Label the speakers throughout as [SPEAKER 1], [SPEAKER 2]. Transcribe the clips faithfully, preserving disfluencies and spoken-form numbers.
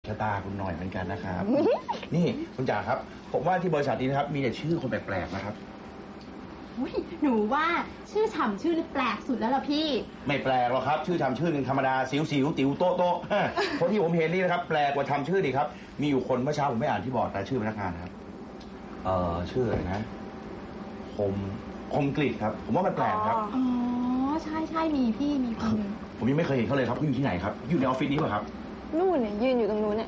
[SPEAKER 1] ชะตาคุณหน่อยเหมือนกันนะครับ นี่คุณจ๋าครับผมว่าที่บริษัทนี้นะครับมีแต่ชื่อคนแปลกๆนะครับ
[SPEAKER 2] หนูว่าชื่อฉ่ำชื่อนี่แปลกสุดแล้วล่ะพี่
[SPEAKER 1] ไม่แปลกหรอกครับชื่อทำชื่อหนึ่งธรรมดาสิวสิวติ๋วโต๊ะโต๊ะคนที่ผมเห็นนี่นะครับแปลกกว่าทำชื่อดีครับมีอยู่คนเมื่อเช้าผมไม่อ่านที่บอร์ดแต่ชื่อพนักงานครับเอ่อชื่ออะไรนะคมคมกริดครับผมว่ามันแปลกครับ
[SPEAKER 2] อ๋อใช่ใช่มีพี่มีคนนึง
[SPEAKER 1] ผมยังไม่เคยเห็นเขาเลยครับเขาอยู่ที่ไหนครับอยู่ในออฟฟิศนี้ป่ะครับ
[SPEAKER 3] นู่นเนี่ยยืนอยู่ตรงนู้นเนี่ย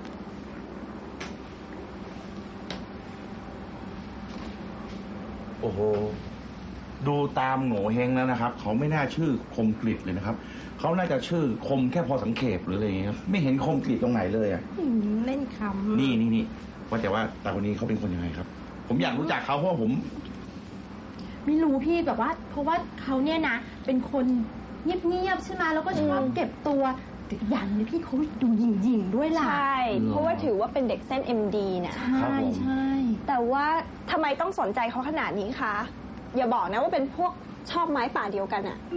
[SPEAKER 1] โอ้โหดูตามโง่เฮงแล้วนะครับเขาไม่น่าชื่อคมกริดเลยนะครับเขาน่าจะชื่อคมแค่พอสังเขปหรืออะไรอย่างเงี้ยไม่เห็นคมกริดตรงไหนเลยอ่ะ
[SPEAKER 2] เล่นคำ
[SPEAKER 1] นี่นี่นี่ว่าแต่ว่าแต่คนนี้เขาเป็นคนยังไงครับผมอยากรู้จักเขาเพราะว่าผม
[SPEAKER 2] ไม่รู้พี่แบบว่าเพราะว่าเขาเนี่ยนะเป็นคนเงียบๆใช่ไหมแล้วก็ชอบเก็บตัวอย่างนี้พี่เขาดูหยิ่งๆด้วยล่ะ
[SPEAKER 3] ใช่เพราะว่าถือว่าเป็นเด็กเส้น เอ็ม ดี นะ
[SPEAKER 2] ใช่ใช่
[SPEAKER 3] แต่ว่าทำไมต้องสนใจเขาขนาดนี้คะอย่าบอกนะว่าเป็นพวกชอบไม้ป่าเดียวกันอะ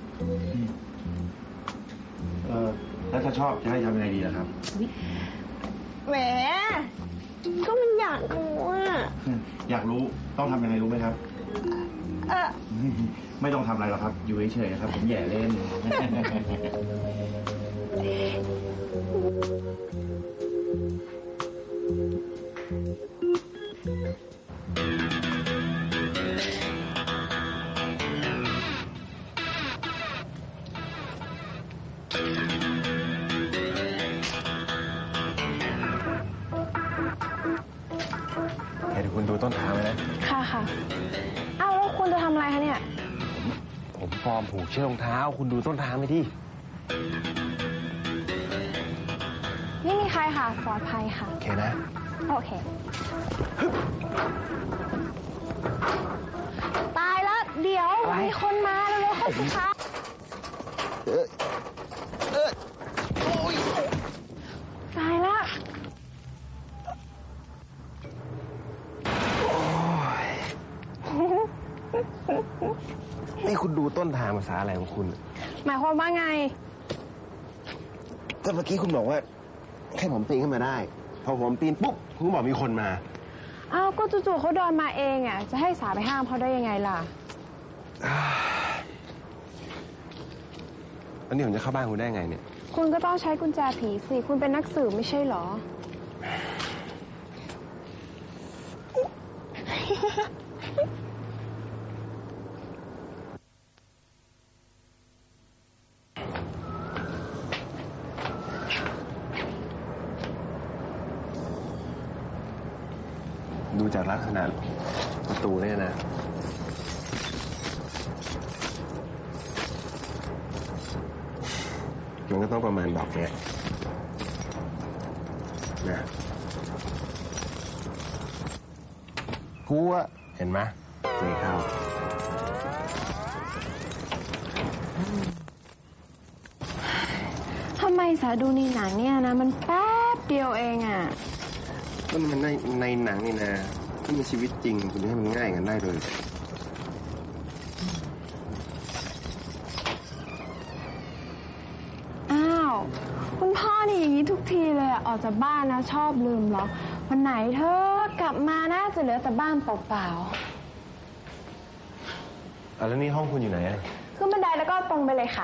[SPEAKER 1] เออแล้วถ้าชอบจะให้ทำยังไงดีล่ะครับ
[SPEAKER 3] แหมก็มันอยากรู้อะ
[SPEAKER 1] อยากรู้ต้องทำยังไงรู้ไหมครับ
[SPEAKER 3] เออ
[SPEAKER 1] ไม่ต้องทำอะไรหรอกครับอยู่เฉยๆครับผมแย่เล่น
[SPEAKER 4] เดี๋ยวคุณดูต้นทางเลยนะ
[SPEAKER 3] ค่ะค่ะอ้าวแล้วคุณจะทำอะไรคะเนี่ย
[SPEAKER 4] ผมฟอร์มผูกเชือกรองเท้าคุณดูต้นทางไปดิ
[SPEAKER 3] ไม่มีใครค่ะปลอดภัยค่ะ
[SPEAKER 4] โอเคนะ
[SPEAKER 3] โอเคตายแล้วเดี๋ยวมีคนมาเร็วๆเข้าสิคะเออเออโอ้ยตายแล้ว
[SPEAKER 4] นี่คุณดูต้นทางภาษาอะไรของคุณ
[SPEAKER 3] หมายความว่าไง
[SPEAKER 4] ก็เมื่อกี้คุณบอกว่าแค่ผมปีนขึ้นมาได้พอผมปีนปุ๊บคุณก็บอกมีคนมา
[SPEAKER 3] อ้าวก็จู่ๆเขาเดินมาเองอ่ะจะให้สาไปห้ามเขาได้ยังไงล่ะ
[SPEAKER 4] แล้วนี่ผมจะเข้าบ้านคุณได้ไงเนี่ย
[SPEAKER 3] คุณก็ต้องใช้กุญแจผีสิคุณเป็นนักสืบไม่ใช่เหรอ
[SPEAKER 4] ดูจากลักษณะประตูเนี่ยนะมันก็ต้องประมาณดอกเนี้ยนะกูอะเห็นไหมนี่เข้า
[SPEAKER 3] ทำไมสาดูในหนังเนี่ยนะมันแป๊บเดียวเองอ่ะ
[SPEAKER 4] มันมันในในหนังนี่นะที่มีชีวิตจริงคุณจะให้มันง่ายกันได้เลย
[SPEAKER 3] อ้าวคุณพ่อนี่อย่างนี้ทุกทีเลยออกจากบ้านนะชอบลืมเหรอวันไหนเธอกลับมาน่าจะเหลือแต่บ้านเปล่า
[SPEAKER 4] ๆอ่ะแล้วนี่ห้องคุณอยู่ไหนอ่ะ
[SPEAKER 3] ขึ้นบันไดแล้วก็ตรงไปเลยค่ะ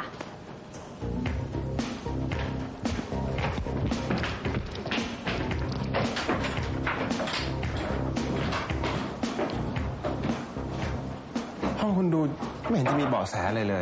[SPEAKER 4] ห้องคุณดูไม่เห็นจะมีเบาะแสอะไรเลย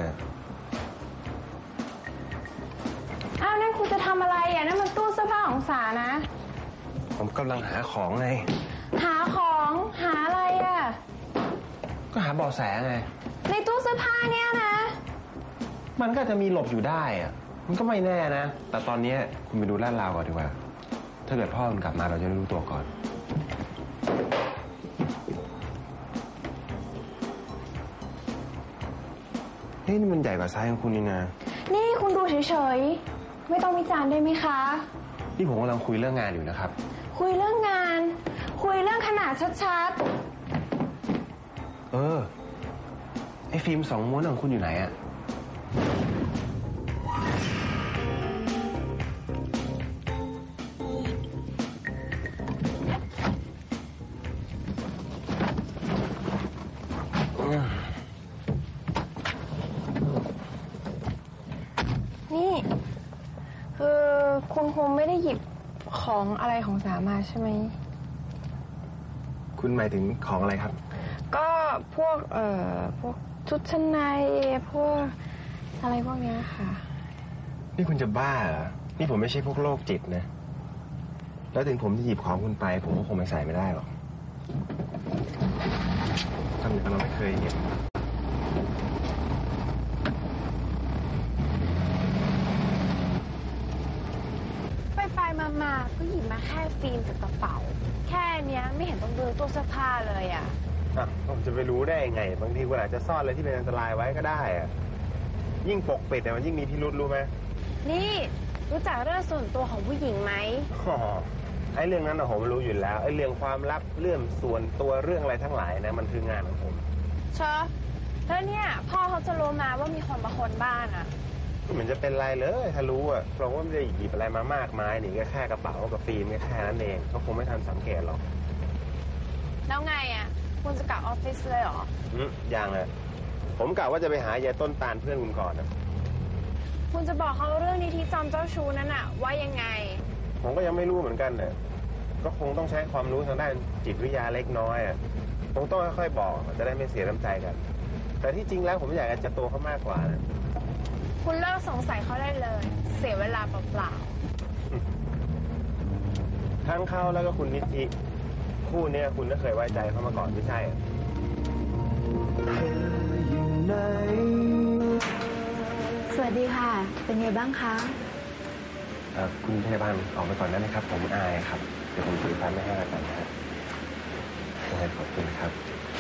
[SPEAKER 3] อ้าวนั่นคุณจะทำอะไรอ่ะนั่นมันตู้เสื้อผ้าของสานะ
[SPEAKER 4] ผมกำลังหาของไง
[SPEAKER 3] หาของหาอะไรอ่ะ
[SPEAKER 4] ก็หาเบาะแสไง
[SPEAKER 3] ในตู้เสื้อผ้าเนี่ยนะ
[SPEAKER 4] มันก็จะมีหลบอยู่ได้อ่ะมันก็ไม่แน่นะแต่ตอนนี้คุณไปดูลาดราวก่อนดีกว่าถ้าเกิดพ่อคุณกลับมาเราจะได้รู้ตัวก่อนนี่มันใหญ่กว่าไซส์ของคุณนี่นะ
[SPEAKER 3] นี่คุณดูเฉยๆไม่ต้องวิจารณ์ได้ไหมคะ
[SPEAKER 4] นี่ผมกำลังคุยเรื่องงานอยู่นะครับ
[SPEAKER 3] คุยเรื่องงานคุยเรื่องขนาดชัด
[SPEAKER 4] ๆเออไอ้ฟิล์มสองม้วนของคุณอยู่ไหนอะ
[SPEAKER 3] คงไม่ได้หยิบของอะไรของสามาใช่ไหม
[SPEAKER 4] คุณหมายถึงของอะไรครับ
[SPEAKER 3] ก็พวกเอ่อพวกชุดชั้นในพวกอะไรพวกเนี้ยค่ะ
[SPEAKER 4] นี่คุณจะบ้าเหรอ นี่ผมไม่ใช่พวกโรคจิตนะ แล้วถึงผมจะหยิบของคุณไป ผมก็คงไม่ใส่ไม่ได้หรอกทำอย่างเราไม่เคยเห็น
[SPEAKER 3] ไปไปมามาก็หยิบมาแค่ฟิล์มกับกระเป๋า แค่เนี้ยไม่เห็นต้องดูตู้เสื้อผ้าเลยอ่ะ
[SPEAKER 4] อ่ะผมจะไปรู้ได้ยังไง บางทีคุณอาจจะซ่อนอะไรที่เป็นอันตรายไว้ก็ได้อะยิ่งปกปิดเนี่ยมันยิ่งมีพิรุษรู้ไหม
[SPEAKER 3] นี่รู้จักเรื่องส่วนตัวของผู้หญิงไหม
[SPEAKER 4] อ๋อไอ้เรื่องนั้นนะผมรู้อยู่แล้ว ไอ้เรื่องความลับเรื่องส่วนตัวเรื่องอะไรทั้งหลายนะมันคืองานของผม
[SPEAKER 3] เชอะแล้วเนี่ยพ่อเขาจะรู้มาว่ามีคนมาคนบ้านอ่ะ
[SPEAKER 4] ไม่เหมือนจะเป็นไรเลยถ้ารู้อ่ะเพราะว่าไม่ได้หยิบอะไรมามากมายนี่ก็แค่กระเป๋ากับฟิล์มแค่นั้นเองเขาคงไม่ทันสังเกตหรอก
[SPEAKER 3] แล้วไงอ่ะคุณจะกลับออฟฟิศเลยเหรอ
[SPEAKER 4] อืมยังเลยผมกะว่าจะไปหายายต้นตาลเพื่อนคุณก่อนนะ
[SPEAKER 3] คุณจะบอกเขาเรื่องนี้ที่จอมเจ้าชู้นั้นอ่ะว่ายังไง
[SPEAKER 4] ผมก็ยังไม่รู้เหมือนกันเนี่ยก็คงต้องใช้ความรู้ทางด้านจิตวิทยาเล็กน้อยอ่ะคงต้องค่อยๆบอกจะได้ไม่เสียน้ำใจกัน แต่ที่จริงแล้วผมอยากจะตัวเขามากกว่านะ
[SPEAKER 3] คุณเลิกสงสัยเขาได้เลย เสียเวลาเปล่า
[SPEAKER 4] ทั้งเขาแล้วก็คุณนิธิคู่เนี้ยคุณก็เคยไว้ใจเขามาก่อนไม่ใช่เหรอ
[SPEAKER 2] สวัสดีค่ะ เป็นไงบ้างคะ
[SPEAKER 4] เอ่อคุณพยาบาลออกไปก่อนได้ไหมครับ ผมอายครับ เดี๋ยวผมถือไฟไม่ให้แล้วกันนะฮะขอบคุณครับ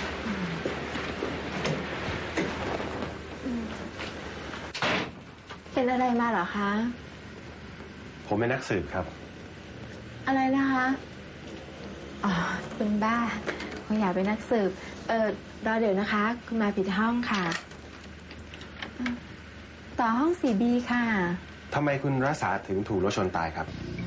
[SPEAKER 2] เป็นอะไรมาเหรอคะ
[SPEAKER 4] ผมเป็นนักสืบครับ
[SPEAKER 2] อะไรนะคะ อ๋อ เป็นบ้าคงอยากเป็นนักสืบ เออรอเดี๋ยวนะคะ คุณมาผิดห้องค่ะ ต่อห้อง สี่บี ค่ะ
[SPEAKER 4] ทำไมคุณรักษาถึงถูกรถชนตายครับ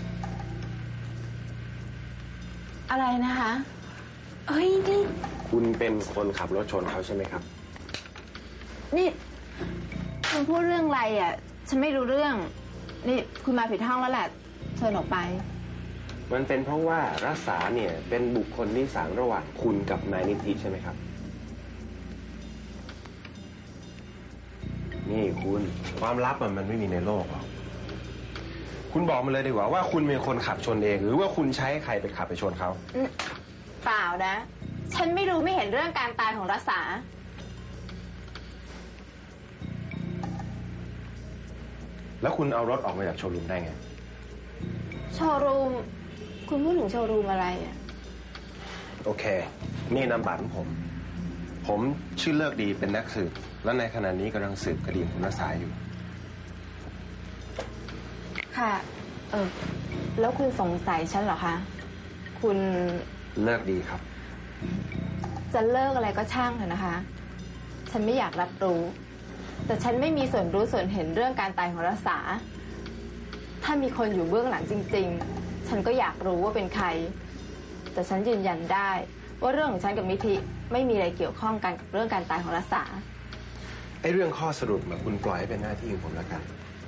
[SPEAKER 2] อะไรนะคะ เฮ้ย นี่
[SPEAKER 4] คุณเป็นคนขับรถชนเขาใช่ไหมครับ
[SPEAKER 2] นี่คุณพูดเรื่องอะไรอ่ะ ฉันไม่รู้เรื่อง นี่คุณมาผิดห้องแล้วแหละ เชิญออกไป
[SPEAKER 4] มันเป็นเพราะว่ารักษาเนี่ยเป็นบุคคลที่สางระหว่างคุณกับนายนิติใช่ไหมครับ นี่คุณความลับมันมันไม่มีในโลกหรอก คุณบอกมาเลยดีกว่าว่าคุณเป็นคนขับชนเอง หรือว่าคุณใช้ใครไปขับไปชนเขา
[SPEAKER 2] เปล่านะ ฉันไม่รู้ไม่เห็นเรื่องการตายของรักษา
[SPEAKER 4] แล้วคุณเอารถออกมาจากโชว์รูมได้ไง
[SPEAKER 2] โชว์รูม คุณพูดถึงโชว์รูมอะไรอ่ะ
[SPEAKER 4] โอเค นี่นามบัตรของผม ผมชื่อเลิกดีเป็นนักสืบ และในขณะนี้กำลังสืบคดีคุณรักษาอยู่
[SPEAKER 2] ค่ะ เออ แล้วคุณสงสัยฉันเหรอคะ คุณ
[SPEAKER 4] เลิกดีครับ
[SPEAKER 2] จะเลิกอะไรก็ช่างเถอะนะคะ ฉันไม่อยากรับรู้ แต่ฉันไม่มีส่วนรู้ส่วนเห็นเรื่องการตายของรักษา ถ้ามีคนอยู่เบื้องหลังจริงๆ ฉันก็อยากรู้ว่าเป็นใคร แต่ฉันยืนยันได้ว่าเรื่องของฉันกับมิธิไม่มีอะไรเกี่ยวข้องกันกับเรื่องการตายของรักษา
[SPEAKER 4] ไอ้เรื่องข้อสรุปมาคุณปล่อยให้เป็นหน้าที่ของผมแล้วกัน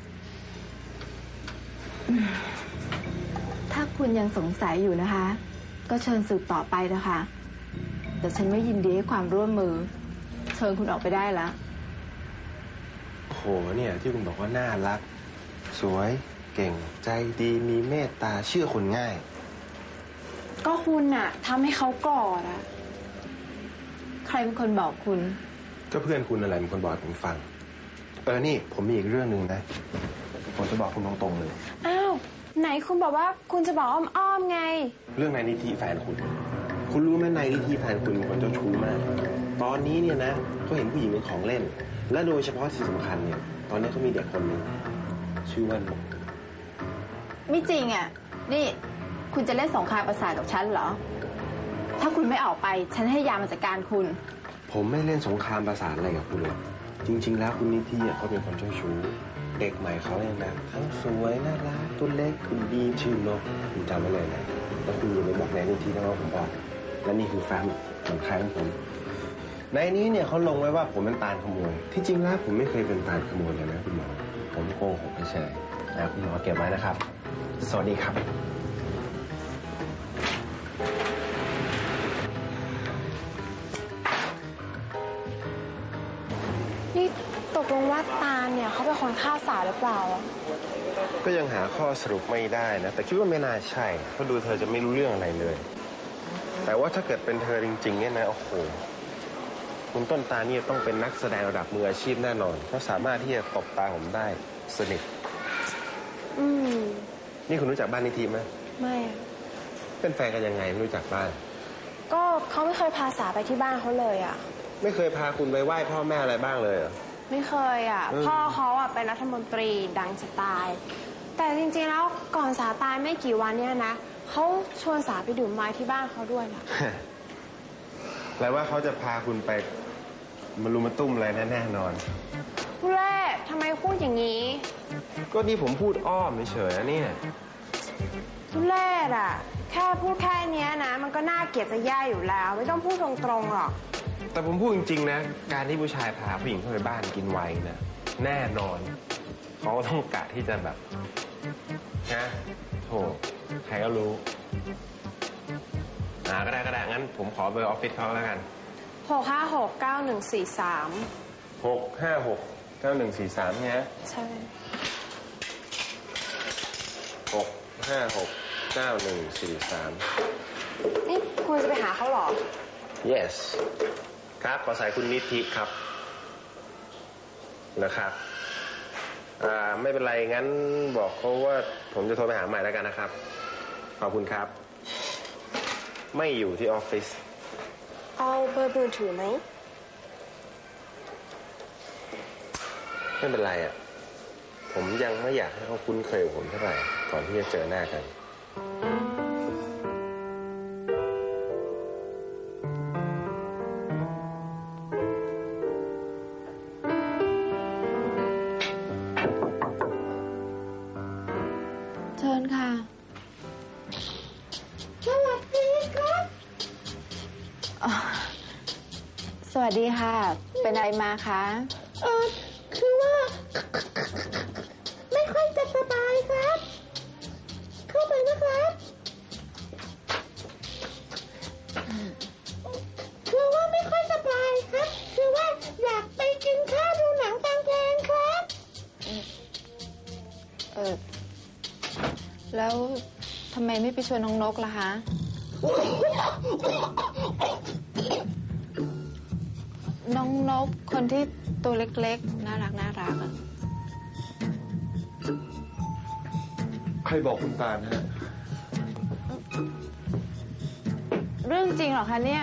[SPEAKER 2] ถ้าคุณยังสงสัยอยู่นะคะ ก็เชิญสืบต่อไปนะคะแต่ฉันไม่ยินดีให้ความร่วมมือ เชิญคุณออกไปได้แล้ว
[SPEAKER 4] โอ้โหเนี่ยที่คุณบอกว่าน่ารัก สวยเก่งใจดีมีเมตตาเชื่อคนง่าย
[SPEAKER 2] ก็คุณน่ะทำให้เขากอดอะใครเป็นคนบอกคุณ
[SPEAKER 4] ก็เพื่อนคุณอะไรเป็นคนบอกให้ผมฟัง เออนี่ผมมีอีกเรื่องหนึ่งนะ ผมจะบอกคุณตรงๆเลย
[SPEAKER 3] อ้าว ไหนคุณบอกว่าคุณจะบอกอ้อมๆไง
[SPEAKER 4] เรื่องนายนิธิแฟนคุณ คุณรู้ไหมนายนิธิแฟนคุณเป็นคนเจ้าชู้มาก ตอนนี้เนี่ยนะเขาเห็นผู้หญิงเป็นของเล่น และโดยเฉพาะที่สำคัญเนี่ย ตอนนี้เขามีเด็กคนหนึ่งชื่อว่านุก
[SPEAKER 2] ไม่จริงอ่ะ นี่คุณจะเล่นสงครามประสาทกับฉันเหรอ ถ้าคุณไม่ออกไป ฉันให้ยามาจัดการคุณ
[SPEAKER 4] ผมไม่เล่นสงครามประสาทอะไรกับคุณหรอก จริง ๆ แล้วคุณนิธิอ่ะเขาเป็นคนเจ้าชู้ เด็กใหม่เขาเนี่ยนะทั้งสวยน่ารักตัวเล็กคุณดีชื่อนกคุณจำไว้เลยนะแล้วคุณอย่าไปบอกนายนิธินะว่าผมบอกและนี่คือแฟ้มของใครของผมในนี้เนี่ยเขาลงไว้ว่าผมเป็นตาลขโมยที่จริงแล้วผมไม่เคยเป็นตาลขโมยเลยนะคุณหมอผมโกหกเฉยๆนะคุณหมอเก็บไว้นะครับสวัสดีครับ
[SPEAKER 3] นี่ตกลงว่าตาลเนี่ยเขาเป็นคนฆ่าสาหรือเปล่า
[SPEAKER 4] ก็ยังหาข้อสรุปไม่ได้นะแต่คิดว่าไม่น่าใช่เพราะดูเธอจะไม่รู้เรื่องอะไรเลยแต่ว่าถ้าเกิดเป็นเธอจริงๆเนี่ยนะโอ้โหคุณต้นตาลนี่ต้องเป็นนักแสดงระดับมืออาชีพแน่นอนเพราะสามารถที่จะตบตาผมได้สนิท
[SPEAKER 3] อืม
[SPEAKER 4] นี่คุณรู้จักบ้านนิธิไหม
[SPEAKER 3] ไม่
[SPEAKER 4] เป็นแฟนกันยังไงไม่รู้จักบ้าน
[SPEAKER 3] ก็เขาไม่เคยพาสาไปที่บ้านเขาเลยอ่ะ
[SPEAKER 4] ไม่เคยพาคุณไปไหว้พ่อแม่อะไรบ้างเลยเหรอ
[SPEAKER 3] ไม่เคยอ่ะพ่อเขาอ่ะเป็นรัฐมนตรีดังจะตายแต่จริงๆแล้วก่อนสาตายไม่กี่วันเนี่ยนะเขาชวนสาไปดื่มไม้ที่บ้านเขาด้วยนะ
[SPEAKER 4] แปลว่าเขาจะพาคุณไปมารุมมาตุ้มอะไรแน่นอน
[SPEAKER 3] เล่ทำไมพูดอย่างนี้
[SPEAKER 4] ก็นี่ผมพูดอ้อมเฉยๆนะเนี่ย
[SPEAKER 3] ทุเล่อะแค่พูดแค่นี้นะมันก็น่าเกลียดจะแย่อยู่แล้วไม่ต้องพูดตรงๆหรอก
[SPEAKER 4] แต่ผมพูดจริงๆนะการที่ผู้ชายพาผู้หญิงเข้าไปบ้านกินไวน์นะแน่นอนเขาต้องกะที่จะแบบนะโธ่ใครก็รู้อ่าก็ได้ก็ได้งั้นผมขอเบอร์ออฟฟิศเขาแล้วกัน
[SPEAKER 3] หกห้าหกเก้าหนึ่งสี่สาม
[SPEAKER 4] หกห้าหกเก้าหนึ่งสี่สามเนี่ย
[SPEAKER 3] ใช่
[SPEAKER 4] หกห้าหกเก้าหนึ่งสี่สาม
[SPEAKER 3] นี่คุณจะไปหาเขาเหรอ
[SPEAKER 4] yes ครับขอสายคุณนิธิครับนะครับอ่าไม่เป็นไรงั้นบอกเขาว่าผมจะโทรไปหาใหม่แล้วกันนะครับขอบคุณครับไม่อยู่ที่ออฟฟิศ
[SPEAKER 3] เอาเบอร์มือถือไหม
[SPEAKER 4] ไม่เป็นไรอ่ะผมยังไม่อยากให้เขาคุ้นเคยกับผมเท่าไหร่ก่อนที่จะเจอหน้ากัน
[SPEAKER 2] เชิญค่ะ
[SPEAKER 3] สวัสดีครับ
[SPEAKER 2] สวัสดีค่ะเป็นอะไรมาคะ
[SPEAKER 3] เออคือว่าไม่ค่อยจะสบายครับเข้าไปนะครับคือว่าไม่ค่อยสบายครับคือว่าอยากไปกินข้าวดูหนังฟังเพลงครับ
[SPEAKER 2] เออแล้วทำไมไม่ไปชวนน้องนกล่ะคะน้องนกคนที่ตัวเล็กๆน่ารักน่ารักอะ
[SPEAKER 4] ใครบอกคุณตาลฮะ
[SPEAKER 2] เรื่องจริงเหรอคะเนี่ย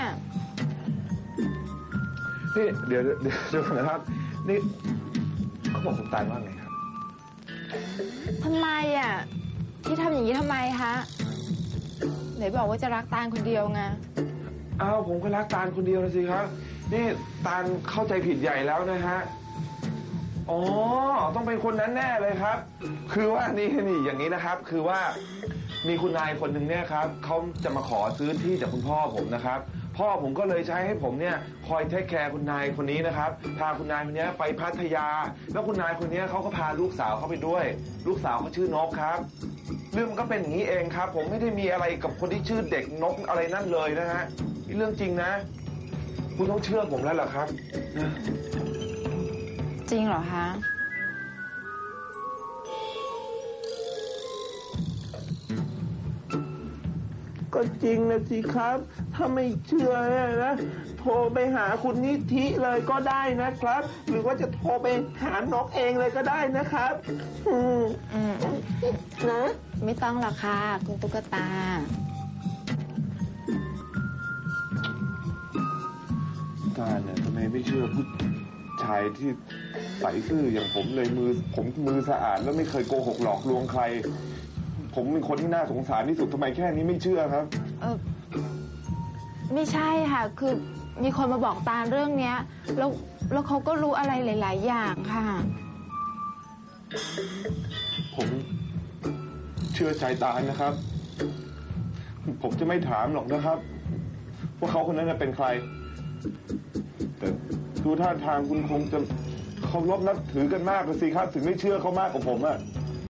[SPEAKER 4] นี่เดี๋ยวเดี๋ยวเดี๋ยวนะครับนี่เขาบอกคุณตาลว่าไงครับ
[SPEAKER 2] ทำไมอ่ะที่ทำอย่างนี้ทำไมคะไหนบอกว่าจะรักตาลคนเดียวไง
[SPEAKER 5] อ้าวผมก็รักตาลคนเดียวนะสิครับนี่ตาลเข้าใจผิดใหญ่แล้วนะฮะอ๋อต้องเป็นคนนั้นแน่เลยครับคือว่านี่นี่อย่างนี้นะครับคือว่ามีคุณนายคนหนึ่งเนี่ยครับเขาจะมาขอซื้อที่จากคุณพ่อผมนะครับพ่อผมก็เลยใช้ให้ผมเนี่ยคอยเทคแคร์คุณนายคนนี้นะครับพาคุณนายคนนี้ไปพัทยาแล้วคุณนายคนนี้เขาก็พาลูกสาวเขาไปด้วยลูกสาวเขาชื่อนกครับเรื่องมันก็เป็นอย่างนี้เองครับผมไม่ได้มีอะไรกับคนที่ชื่อเด็กนกอะไรนั่นเลยนะฮะนี่เรื่องจริงนะคุณต้องเชื่อผมแล้วเหรอครับ
[SPEAKER 2] จริงเหรอคะ
[SPEAKER 5] ก็จริงนะสิครับถ้าไม่เชื่อเนี่ยนะโทรไปหาคุณนิธิเลยก็ได้นะครับหรือว่าจะโทรไปหานกเองเลยก็ได้นะครับอืม
[SPEAKER 2] อืม
[SPEAKER 3] นะ
[SPEAKER 2] ไม่ต้องหรอกค่ะคุณตุ๊กตา
[SPEAKER 5] ตาเนี่ยทำไมไม่เชื่อผู้ชายที่ใส่ซื่ออย่างผมเลยมือผมมือสะอาดแล้วไม่เคยโกหกหลอกลวงใครผมเป็นคนที่น่าสงสารที่สุดทำไมแค่นี้ไม่เชื่อครับ
[SPEAKER 2] เออไม่ใช่ค่ะคือมีคนมาบอกตาลเรื่องเนี้ยแล้วแล้วเขาก็รู้อะไรหลายๆอย่างค่ะ
[SPEAKER 5] ผมเชื่อใจตาลนะครับผมจะไม่ถามหรอกนะครับว่าเขาคนนั้นเป็นใครแต่ดูท่าทางคุณคงจะเคารพนับถือกันมากเลยสิครับถึงไม่เชื่อเขามากกว่าผมอะ